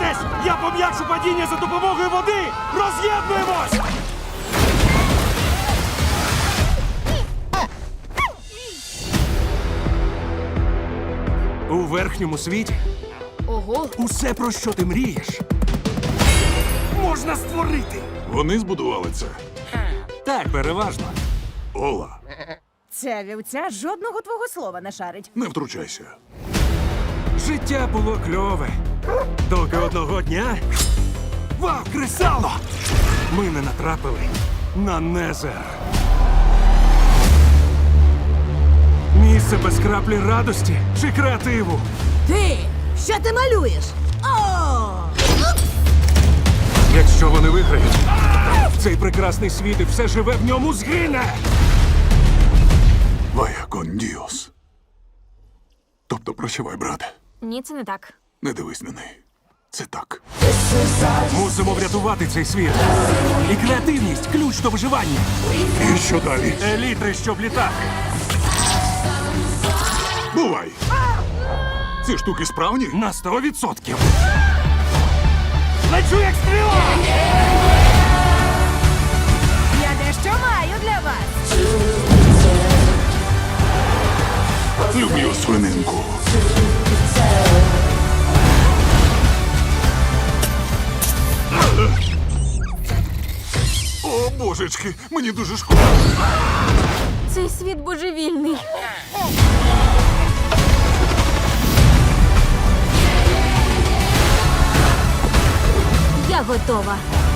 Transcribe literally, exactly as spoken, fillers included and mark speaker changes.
Speaker 1: Тримайтесь! Я пом'якшу падіння за допомогою води! Роз'єднуємось! У верхньому світі
Speaker 2: Ого.
Speaker 1: усе, про що ти мрієш, можна створити.
Speaker 3: Вони збудували це.
Speaker 1: Так, переважно.
Speaker 3: Ола,
Speaker 4: Ця вівця жодного твого слова не шарить.
Speaker 3: не втручайся.
Speaker 1: Життя було кльове. Доки одного дня. Вау, кресало! Ми не натрапили на Незер. Місце без краплі радості чи креативу.
Speaker 4: Ти! Що ти малюєш? О!
Speaker 1: Якщо вони виграють, цей прекрасний світ і все живе в ньому згине.
Speaker 3: Вая кон діос. Тобто прощавай, брате.
Speaker 2: Ні, це не так.
Speaker 3: Не дивись на неї. Це так.
Speaker 1: Мусимо врятувати цей світ. І креативність – ключ до виживання.
Speaker 3: І що далі?
Speaker 1: Елітри, щоб літати.
Speaker 3: Бувай! Ці штуки справні?
Speaker 1: На сто відсотків. Лечу як стріла!
Speaker 4: Я дещо маю для вас.
Speaker 3: Люблю свининку. О, божечки, мені дуже шкода.
Speaker 2: Цей світ божевільний. Я готова.